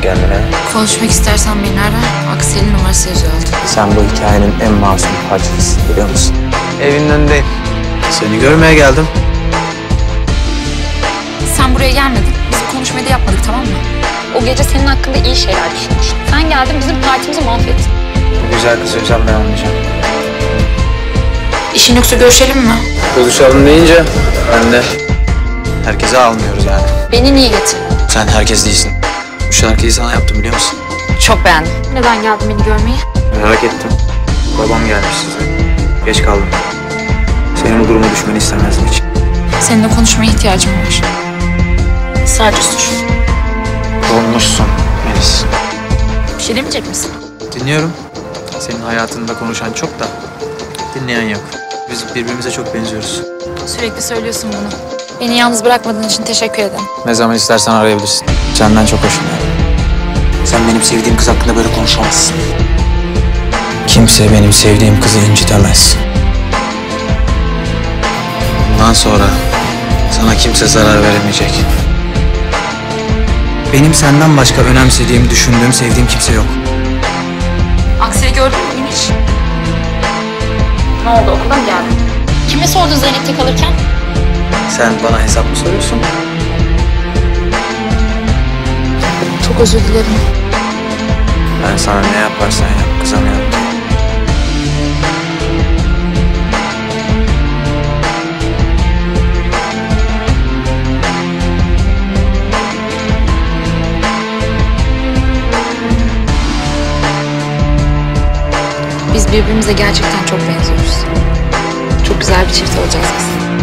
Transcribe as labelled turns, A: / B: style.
A: kendine.
B: Konuşmak istersen beni ara. Aksel'in numarası yazıyor altında.
A: Sen bu hikayenin en masum parçasısın, biliyor musun? Evinin önündeyim. Seni görmeye geldim.
B: Sen buraya gelmedin. Biz bu konuşmayı da yapmadık, tamam mı?
C: O gece senin hakkında iyi şeyler düşünmüştüm. Sen geldin bizim partimizi mahvettin.
A: Bu güzel kızı yüzden ben olmayacağım.
B: İşin yoksa görüşelim mi?
A: Buluşalım deyince ben de herkese almıyoruz yani.
C: Beni niye getirdin?
A: Sen herkes değilsin. Bu şarkıyı sana yaptım, biliyor musun?
C: Çok beğendim. Neden geldin beni görmeye?
A: Merak ettim. Babam gelmiş size. Geç kaldım. Senin bu duruma düşmeni istemezdim hiç.
B: Seninle konuşmaya ihtiyacım var. Sadece suç.
A: Dolmuşsun Melis.
B: Bir şey demeyecek misin?
A: Dinliyorum. Senin hayatında konuşan çok da dinleyen yok. Biz birbirimize çok benziyoruz.
B: Sürekli söylüyorsun bunu. Beni yalnız bırakmadığın için teşekkür ederim.
A: Ne zaman istersen arayabilirsin. Senden çok hoşlanıyorum. Sen benim sevdiğim kız hakkında böyle konuşamazsın. Kimse benim sevdiğim kızı incitemez. Bundan sonra sana kimse zarar veremeyecek. Benim senden başka önemsediğim, düşündüğüm, sevdiğim kimse yok.
B: Aksel'i gördün mü bugün hiç?
C: Ne oldu, okula mı geldin? Kime sordun Zeynep'te kalırken?
A: Sen bana hesap mı soruyorsun?
B: Çok özür dilerim.
A: Ben sana ne yaparsan yap, kızamıyorum.
B: Biz birbirimize gerçekten çok benziyoruz. Çok güzel bir çift olacağız biz.